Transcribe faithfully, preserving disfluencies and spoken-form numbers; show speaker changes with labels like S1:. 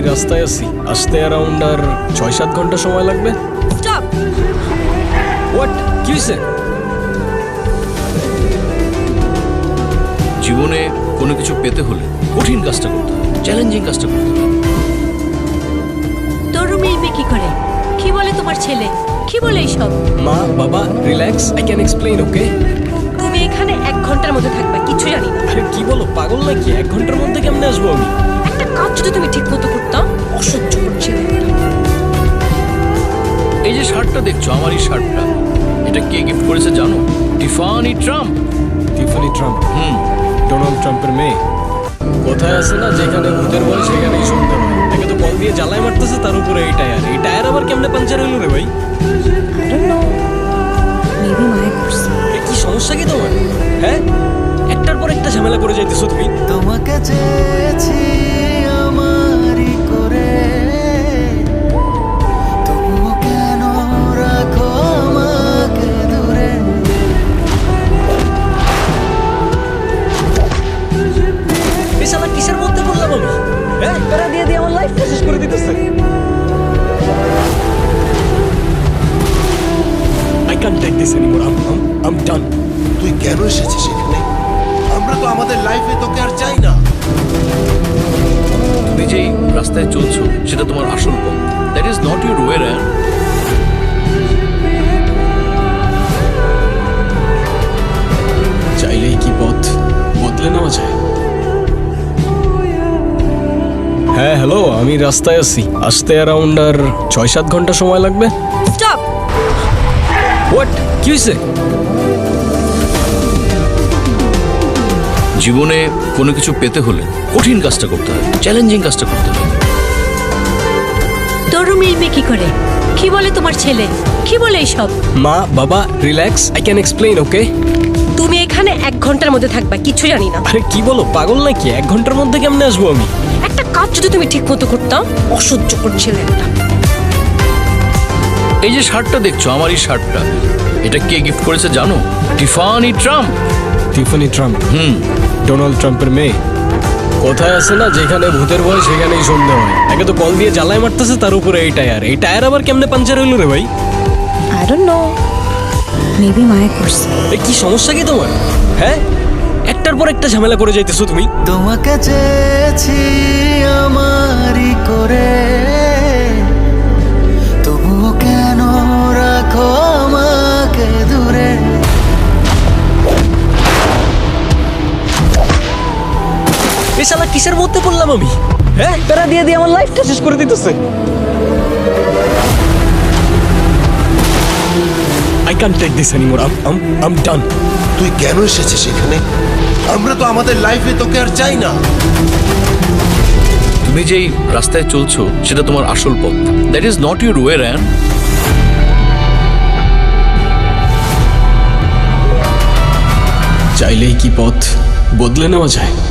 S1: রাস্তায় আছি, আসতে অ্যারাউন্ড আর ছয় সাত ঘন্টা সময় লাগবে।
S2: স্টপ।
S1: হোয়াট, কি হয়েছে?
S3: জীবনে কোনো কিছু পেতে হলে কঠিন কাজটা করতে হয়, চ্যালেঞ্জিং কাজটা করতে হয়।
S2: তোর রুমে এই মেয়ে কি করে? কি বলে তোমার ছেলে? কি বলে এইসব?
S1: মা বাবা relax, I can explain, okay?
S2: তুমি এখানে এক ঘন্টার মধ্যে থাকবা, কিছু জানি না।
S1: আরে কি বলো, পাগল নাকি? এক ঘন্টার মধ্যে কেমনে আসবো আমি?
S2: একটা কাজ যদি তুমি ঠিক মতো করতাম, অসহ্য করছিল।
S3: এই যে শার্টটা দেখছো, আমার এই শার্টটা, এটা কে গিফট করেছে জানো? Tiffany Trump.
S1: Tiffany Trump?
S3: হুম।
S1: ডোনাল্ড ট্রাম্পের মেয়ে। কোথায় আছে না, যেখানে ভূতের বল সেখানেই শুনতে হয়। একে তো কল দিয়ে জ্বালায় মারতেছে, তার উপরে এই টায়ার। এই টায়ার আবার কেমনে পাঞ্চার হইলো রে ভাই?
S2: মেবি মায়া করছে।
S1: এ কি সমস্যা কি তোমার? হ্যাঁ, একটার পর একটা ঝামেলা করে যাইতেছো তুমি।
S4: তোমাকে চেয়েছি আমারই করে, তবুও কেন রাখো আমাকে দূরে?
S1: এই শালা কিসের মধ্যে পড়লাম আমি? হ্যাঁ, প্যারা দিয়ে দিয়ে আমার লাইফটা শেষ করে দিতেছে। I can't take this anymore. I'm, I'm, I'm done.
S5: তুই কেন এসেছিস এখানে? আমরা তো আমাদের লাইফে তোকে আর চাই না।
S3: তুমি যেই রাস্তায় চলছো সেটা তোমার আসল পথ। That is not your way Ryan.
S1: চাইলেই কি পথ বদলে নেওয়া যায়? হ্যাঁ হ্যালো, আমি রাস্তায় আছি, আসতে অ্যারাউন্ড আর ছয় সাত ঘন্টা সময় লাগবে।
S2: স্টপ।
S1: হোয়াট, কি হয়েছে?
S3: জীবনে কোনো কিছু পেতে হলে কঠিন কাজটা করতে হয়, চ্যালেঞ্জিং কাজটা করতে হয়।
S2: তোর রুমে এই মেয়ে কি করে? কি বলে তোমার ছেলে? কি বলে এইসব?
S1: মা বাবা relax, I can explain, okay?
S2: তুমি এখানে এক ঘন্টার মধ্যে থাকবা, কিছু জানি না।
S1: আরে কি বলো, পাগল নাকি? এক ঘন্টার মধ্যে কেমনে আসবো আমি?
S2: একটা কাজ যদি তুমি ঠিক মতো করতাম, অসহ্য করছিল একটা।
S3: এই যে শার্টটা দেখছো, আমার এই শার্টটা, এটা কে গিফট করেছে জানো? Tiffany Trump.
S1: Tiffany Trump?
S3: হুম।
S1: ডোনাল্ড ট্রাম্পের মেয়ে। কোথায় আছে না, যেখানে ভূতের ভয় সেখানেই সন্দেহ হয়। একে তো কল দিয়ে জ্বালায় মারতেছে, তার উপরে এই টায়ার। এই টায়ার আবার কেমনে পাঞ্চার হইলো রে ভাই?
S2: আই ডোন্ট নো, মেবি মায়া করছে।
S1: এ কি সমস্যা কি তোমার? হ্যাঁ, একটার পর একটা ঝামেলা করে যাইতেছো তুমি।
S4: তোমাকে চেয়েছি আমারই করে, তবুও কেন রাখো আমাকে দূরে?
S1: এই শালা কিসের মধ্যে পড়লাম আমি? হ্যাঁ, প্যারা দিয়ে দিয়ে আমার লাইফটা শেষ করে দিতেছে। I can't take this anymore. I'm, I'm, I'm done.
S5: তুই কেন এসেছিস এখানে? আমরা তো আমাদের লাইফে তোকে আর চাই না।
S3: তুমি যেই রাস্তায় চলছো সেটা তোমার আসল পথ। That is not your way Ryan.
S1: চাইলেই কি পথ বদলে নেওয়া যায়?